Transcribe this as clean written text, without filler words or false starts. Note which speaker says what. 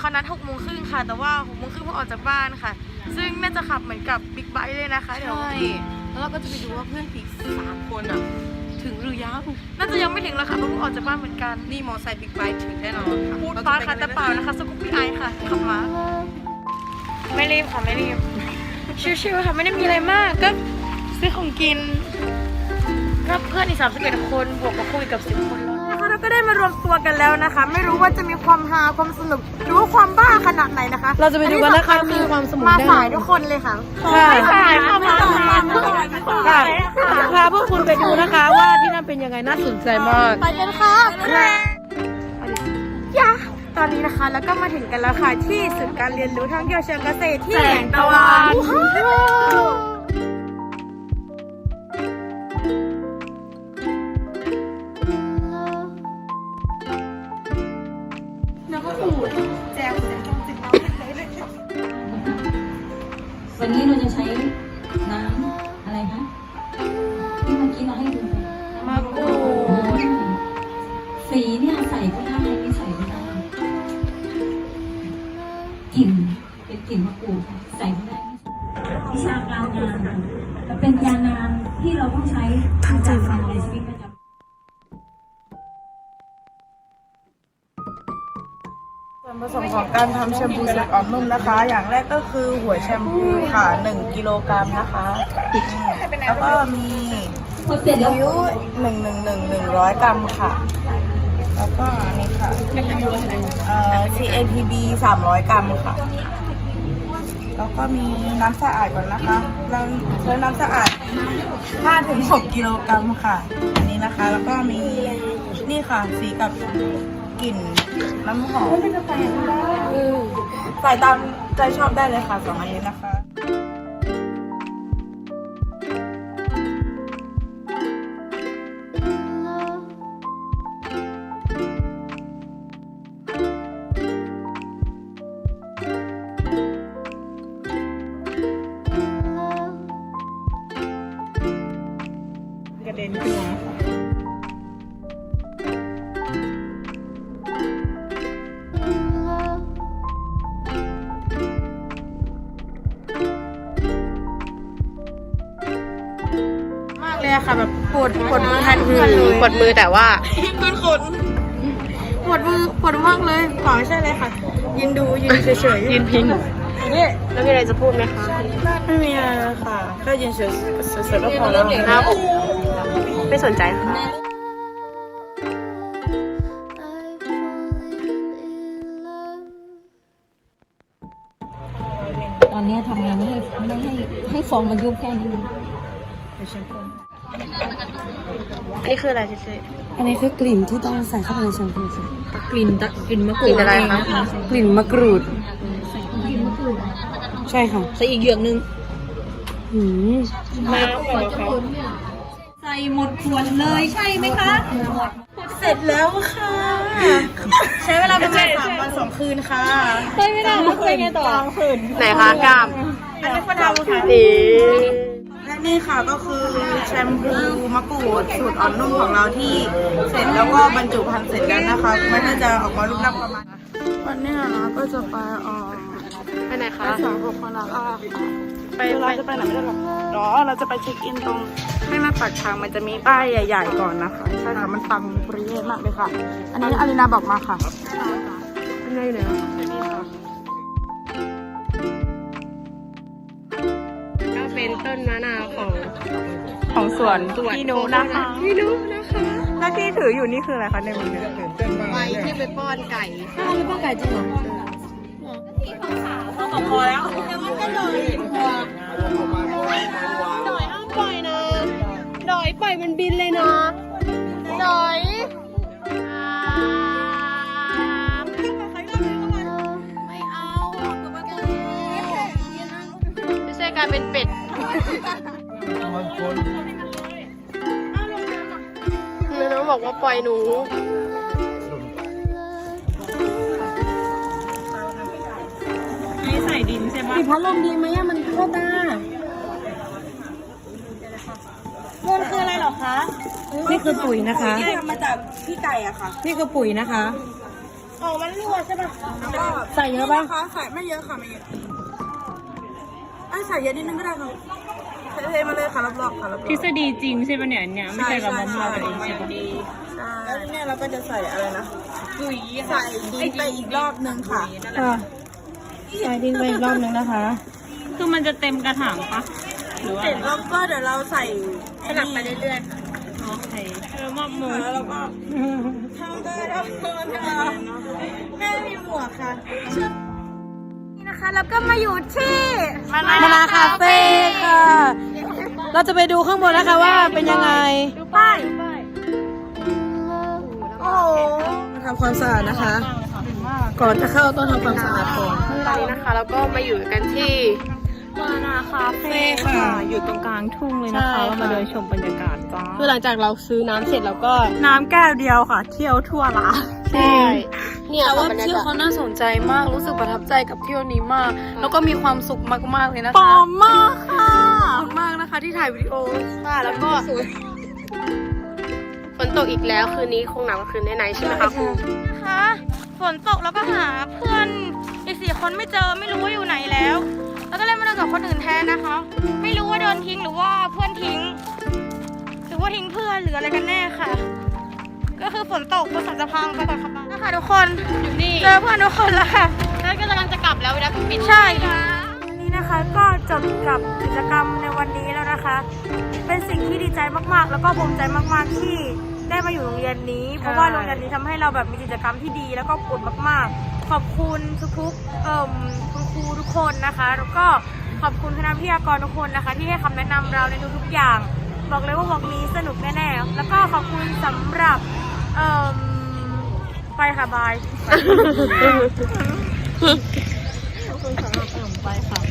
Speaker 1: เขานัด6:30ค่ะแต่ว่า6:30เพิ่งออกจากบ้านค่ะซึ่งน่าจะขับเหมือนกับบิ๊กไบค์เลยนะคะเดี๋ยว
Speaker 2: แล้วเราก็จะไปดูว่าเพื่อนอีก3 คนอ่ะถึงหรือยัง
Speaker 1: น่าจะยังไม่ถึงแล้วค่ะเพราะเพิ่งออกจากบ้านเหมือนกัน
Speaker 2: นี่มอไซค์บิ๊กไบค์ถึงแน่นอนค่ะ
Speaker 1: พูดฟ้าค่ะแต่เปล่านะคะสกุปปี้ไอค่ะขับมาไม่รีบค่ะไม่รีบชิวๆค่ะไม่ได้มีอะไรมากก็ซื้อของกินรับเพื่อนอีก31 คนบวกกับคุยกับ10 คนแล้วนะคะเราก็ได้มารวมตัวกันแล้วนะคะไม่รู้ว่าจะมีความฮาความสนุกหรือว่าความบ้าขนาดไหนนะคะ
Speaker 2: เราจะไปดูกันนะคะมีความสนุก
Speaker 1: มาสายทุกคนเลยค่ะ
Speaker 2: ไม่
Speaker 1: สายค่ะมาสาย
Speaker 2: พาพวกคุณไปดูนะคะว่าที่นั่นเป็นยังไงน่าสนใจมาก
Speaker 1: ไปกันค่ะยะตอนนี้นะคะแล้วก็มาถึงกันแล้วค่ะที่ศูนย์การเรียนรู้ท่องเที่ยวเชิงเกษตรที่แสงตะวัน
Speaker 3: วันนี้เราจะใช้น้ำอะไรคะที่เมื่อกี้เราให้ดู
Speaker 1: มะกรูด
Speaker 3: สีเนี่ยใส่ก็ได้ไม่ใส่ก็ได้กลิ่นเป็นกลิ่นมะกรูดใส่ก็ได้วิชาการงานเป็นยานานที่เราต้องใช้ประจำวันในชีวิตประจำ
Speaker 4: ส่วนผสมของการทำแชมพูสูตรอ่อนนุ่มนะคะ อย่างแรกก็คือหัวแชมพูค่ะ1 กิโลกรัมนะคะแล้วก็มีนิ้ว100 กรัมค่ะแล้วก็อันนี้ค่ะCAPB 300 กรัมค่ะแล้วก็มีน้ำสะอาดก่อนนะคะเราใช้น้ำสะอาด 5-6 กิโลกรัมค่ะอันนี้นะคะแล้วก็มีนี่ค่ะสีกับกลิ่นน้ำหอมใส่ตามใจชอบได้เลยค่ะ2 อันนี้นะคะกระเด็นขึ้นมาค่ะแบบปวดมือแทนเพื่อนเลย
Speaker 2: ปวดมือแต่ว่า
Speaker 4: เพื่อนคนปวดมือปวดมากเลยขอไม่ใช่เลยค่ะยืนดูยืนเฉยๆ
Speaker 2: ยืนพิง
Speaker 4: นี่
Speaker 2: แล้วมีอะไรจะพูดไหมคะ
Speaker 4: ไม่มีอะไรค่ะแค่ยืนเฉยๆก็พอแล้ว
Speaker 2: ครับไม่สนใจค่ะ
Speaker 3: ตอนนี้ทำงานไม่ให้ฟองมันยุบแค่นี้
Speaker 2: อันนี้คืออะไรเจ๊
Speaker 4: อันนี้คือกลิ่นที่ต้องใส่เข้าไปในแชมพูค่ะ
Speaker 3: กลิ่นมะกรูด
Speaker 2: อะไรคะ
Speaker 4: กลิ่นมะกรูดใช่ค่ะ
Speaker 3: ใส่อีกเหยือกนึง
Speaker 2: น้ำก่อนค่ะ
Speaker 3: ใส่หมดขวดเลยใช่ไหมคะ
Speaker 4: เสร็จแล้วค่ะ ใช้เวลาประมาณ3 วัน 2 คืนค่ะ
Speaker 3: ใช่ไม่ได้แล้วเป็นไงต่อคืน
Speaker 2: ไหนคะกล้าม
Speaker 4: อันนี้คนทำค่ะและนี่ค่ะก็คือแชมพูมะกรูดสูตรอ่อนนุ่มของเราที่เสร็จแล้วก็บรรจุภัณฑ์เสร็จแล้วนะคะมันก็จะออกมารูปร่างประมาณวันนี้นะก็จะไป
Speaker 2: ไหนคะ
Speaker 4: ไป2 คนละค่ะเราจะไปไหนกันหรอเราจะไปเช็คอินตรงให้มาปากทางมันจะมีป้ายใหญ่ๆก่อนนะคะใช่ค่ะมันปังปรีเย่มากเลยค่ะอันนี้อารินาบอกมาค่ะ
Speaker 2: เป็นไงเนี่ยก็เป็นต้นมะนาว
Speaker 4: ของสวนพี่นุนะคะหน้าที่ถืออยู่นี่คืออะไรคะในมือ
Speaker 2: ไปที่ไปป้อนไก่
Speaker 3: ไปป้อนไก่จริงเหรอ
Speaker 4: เขาบอกพอแล้ว
Speaker 2: ดอยห้ามปล่อยนะดอยปล่อยมันบินเลยนะดอยไม่เอาไม่ใช่การเป็นเป็ดน้องบอกว่าปล่อยหนู
Speaker 4: ใส่ดินใช่ไหม
Speaker 3: มีพัดลมดีไหมมันเข้าตา
Speaker 4: มันคืออะไรหรอคะ
Speaker 3: นี่คือปุ๋ยนะคะ
Speaker 4: ที่ทำมาจากพี่ไก่อะค่ะ
Speaker 3: นี่คือปุ๋ยนะคะ
Speaker 2: อ๋อมันรั่วใช่ป่ะ
Speaker 1: ใส่เยอะป่ะ
Speaker 4: นะคะใส่ไม่เยอะค่ะไม่เยอะใส่เยอะนิดนึงก็ได้ค่ะเทมาเลยค่ะรอบๆค่ะรอบๆ
Speaker 2: ทฤษฎีจริงใช่ป่ะเนี่ยเนี่ยไม่ใช่กับมะม่วงเองใช่ป่ะ
Speaker 4: แล้วเนี่ยเราก็จะใส่อะไรนะใส่ดินไปอีกรอบนึงค่ะ
Speaker 1: ค่ะใส่ดินไปอีกรอบนึงนะคะ
Speaker 2: คือมันจะเต็มกระถางปะหรือว่า
Speaker 4: เสร็จแล้วก็เดี๋ยวเราใส่สลับไปเรื่อย
Speaker 2: โอเคมะม่วง
Speaker 4: ๆแล้วเราก็ทำได้แล้วแม่มีหมวกค่ะ
Speaker 1: นี่นะคะแล้วก็มาอยู่ที่มานาคาเฟ่ค่ะ เราจะไปดูข้างบนนะคะว่าเป็นยังไง ดูป้ายโอ้ทำความสะอาดนะคะ ก่อนจะเข้าต้องทำความสะอาดก่อน
Speaker 2: ตอนนี้นะคะแล้วก็มาอยู่กันที่มานาคาเฟ่ค่ะอยู่ตรงกลางทุ่งเลยนะคะเรามาเดินชมบรรยากาศจ้า
Speaker 1: คือหลังจากเราซื้อน้ำเสร็จแล้วก็
Speaker 2: น้ำแก้วเดียวค่ะ เที่ยวทั่วร้าน
Speaker 1: ใช่แต่ว่าเที่ยวเขาน่าสนใจมากรู้สึกประทับใจกับเที่ยวนี้มาก แล้วก็มีความสุขมากๆเลยนะคะ
Speaker 2: ปลอมมากค่ะ
Speaker 1: ขอบคุณมากนะคะที่ถ่ายวิดีโอค่ะแล้วก็
Speaker 2: ฝนตกอีกแล้วคืนนี้คงหนาวกว่าคืนไหนๆใช่ไหมคะครู
Speaker 1: นะคะฝนตกแล้วก็หาเพื่อนอีก4 คนไม่เจอไม่รู้ว่าอยู่ไหนแล้ว แล้วก็เลยมาเดินกับคนอื่นแทนนะคะ ไม่รู้ว่าโดนทิ้งหรือว่าเพื่อนทิ้ง หรือว่าทิ้งเพื่อนหรืออะไรกันแน่ค่ะ ก็คือฝนตกบนสันสะพานไปก่อนค่ะนะคะทุกคน
Speaker 2: อยู่นี่
Speaker 1: เจอเพื่อนทุกคนแล้วค่ะ
Speaker 2: แล้วก็กำลังจะกลับแล้วเวลาปิด
Speaker 1: ใช่นี่นะคะก็จบกับกิจกรรมในวันนี้แล้วนะคะ เป็นสิ่งที่ดีใจมากๆ แล้วก็ภูมิใจมากๆที่ได้มาอยู่โรงเรียนนี้ เพราะว่าโรงเรียนนี้ทำให้เราแบบมีกิจกรรมที่ดีแล้วก็อบอุ่นมากๆ ขอบคุณทุกๆคุณครูทุกคนนะคะ แล้วก็ขอบคุณคณะวิทยากรทุกคนนะคะ ที่ให้คำแนะนำเราในทุกๆอย่าง บอกเลยว่าวงนี้สนุกแน่ๆแล้วก็ขอบคุณสำหรับไปค่ะบาย
Speaker 2: ไปค่ะ